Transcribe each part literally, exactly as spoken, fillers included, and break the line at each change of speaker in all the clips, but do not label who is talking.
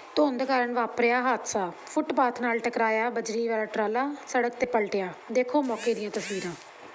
ਧੁੰਦ ਕਾਰਨ ਵਾਪਰਿਆ ਹਾਦਸਾ। ਫੁੱਟਪਾਥ ਨਾਲ ਟਕਰਾਇਆ ਬਜਰੀ ਵਾਲਾ ਟਰਾਲਾ, ਸੜਕ ਤੇ ਪਲਟਿਆ। ਦੇਖੋ ਮੌਕੇ ਦੀਆਂ ਤਸਵੀਰਾਂ।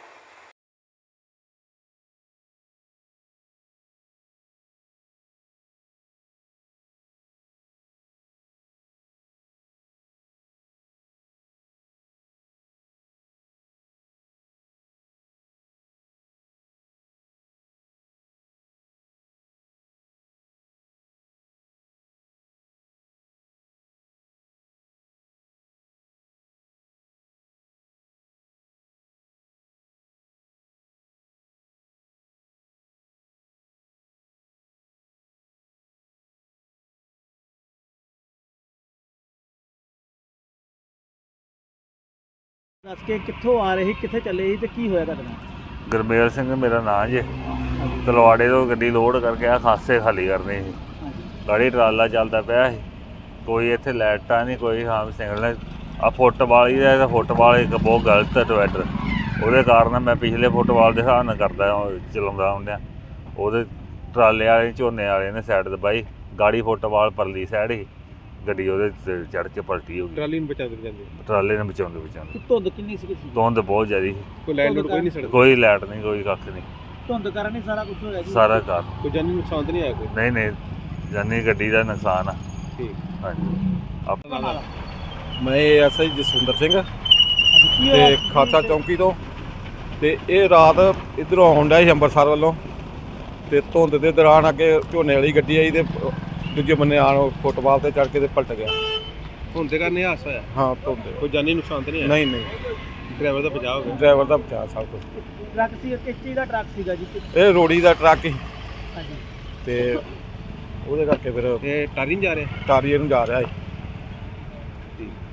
ਦੱਸ ਕੇ ਕਿੱਥੋਂ ਆ ਰਹੇ ਸੀ, ਕਿੱਥੇ ਚੱਲੇ ਸੀ ਤੇ ਕੀ ਹੋਇਆ ਤੁਹਾਡੇ ਨਾਲ?
ਗੁਰਮੇਲ ਸਿੰਘ ਮੇਰਾ ਨਾਂ ਜੇ। ਤਲਵਾੜੇ ਤੋਂ ਗੱਡੀ ਲੋਡ ਕਰਕੇ ਆ ਖਾਸੇ ਖਾਲੀ ਕਰਨੀ ਸੀ। ਗਾੜੀ ਟਰਾਲਾ ਚੱਲਦਾ ਪਿਆ ਸੀ, ਕੋਈ ਇੱਥੇ ਲਾਈਟਾਂ ਨਹੀਂ, ਕੋਈ ਹਾਂ ਸਿਗਨਲ। ਆ ਫੁੱਟਬਾਲ ਹੀ ਦਾ ਫੁੱਟਬਾਲ ਇੱਕ ਬਹੁਤ ਗਲਤ ਡਿਵਾਈਡਰ, ਉਹਦੇ ਕਾਰਨ ਮੈਂ ਪਿਛਲੇ ਫੁੱਟਬਾਲ ਦੇ ਹਿਸਾਬ ਨਾਲ ਕਰਦਾ ਚਲਾਉਂਦਾ ਹੁੰਦਿਆਂ ਉਹਦੇ ਟਰਾਲੇ ਵਾਲੇ ਝੋਨੇ ਵਾਲੇ ਨੇ ਸਾਈਡ ਦਬਾਈ, ਗਾੜੀ ਫੁੱਟਬਾਲ ਪਰਲੀ ਸਾਈਡ ਸੀ, ਗੱਡੀ ਉਹਦੇ ਚੜ੍ਹ ਕੇ ਪਲਟੀ ਹੋ ਗਈ।
ਟਰਾਲੀ ਨੂੰ ਬਚਾਉਂਦੇ ਜਾਂਦੇ
ਟਰਾਲੇ ਨੂੰ ਬਚਾਉਂਦੇ ਬਚਾਉਂਦੇ
ਧੁੰਦ ਕਿੰਨੀ ਸੀ?
ਧੁੰਦ ਬਹੁਤ ਜ਼ਿਆਦਾ ਸੀ,
ਕੋਈ ਲਾਈਟ ਲੂਟ ਕੋਈ ਨਹੀਂ ਸੜਕ,
ਕੋਈ ਲਾਈਟ ਨਹੀਂ, ਕੋਈ ਕੱਖ ਨਹੀਂ,
ਧੁੰਦ ਕਾਰਨ ਹੀ ਸਾਰਾ ਕੁਝ ਹੋਇਆ ਜੀ?
ਸਾਰਾ ਘਰ।
ਕੋਈ ਜਾਨੀ ਨੁਕਸਾਨ ਤਾਂ ਨਹੀਂ ਆਇਆ ਕੋਈ?
ਨਹੀਂ ਨਹੀਂ, ਜਾਨੀ ਗੱਡੀ ਦਾ ਨੁਕਸਾਨ ਆ।
ਠੀਕ,
ਹਾਂਜੀ। ਆਪਣਾ
ਮੈਂ ਐਸ ਆਈ ਜਸਵਿੰਦਰ ਸਿੰਘ
ਕੀ
ਤੇ
ਹੋਇਆ?
ਖਾਲਸਾ ਚੌਂਕੀ ਤੋਂ। ਤੇ ਇਹ ਰਾਤ ਇੱਧਰੋਂ ਆਉਣ ਡਿਆ ਸੀ ਅੰਮ੍ਰਿਤਸਰ ਵੱਲੋਂ, ਤੇ ਧੁੰਦ ਦੇ ਦੌਰਾਨ ਅੱਗੇ ਝੋਨੇ ਵਾਲੀ ਗੱਡੀ ਆਈ ਤੇ ਦੂਜੇ ਬੰਨੇ ਆਣ ਫੁੱਟਬਾਲ ਤੇ ਚੜ੍ਹ ਕੇ ਤੇ ਪਲਟ ਗਿਆ।
ਧੁੰਦ ਦੇ ਕਾਰਨ ਇਹ ਹਾਦਸਾ ਹੋਇਆ?
ਹਾਂ, ਧੁੰਦ।
ਕੋਈ ਜਾਨੀ ਨੁਕਸਾਨ ਤਾਂ ਨਹੀਂ ਆਇਆ?
ਨਹੀਂ ਨਹੀਂ,
ਡਰਾਈਵਰ ਦਾ ਬਚਾਅ ਹੋ ਗਿਆ?
ਡਰਾਈਵਰ ਦਾ ਬਚਾਅ ਸਭ ਕੁਛ।
ਟਰੱਕ ਸੀ, ਕਿਸ ਚੀਜ਼ ਦਾ ਟਰੱਕ ਸੀਗਾ ਜੀ?
ਇਹ ਰੋੜੀ ਦਾ ਟਰੱਕ ਸੀ
ਹਾਂਜੀ।
ਤੇ ਉਹਦੇ ਕਰਕੇ ਫਿਰ
ਤੇ ਟਾਰੀ ਨਹੀਂ ਜਾ ਰਿਹਾ?
ਟਾਰੀਏ ਨੂੰ ਜਾ ਰਿਹਾ ਸੀ।
ਠੀਕ।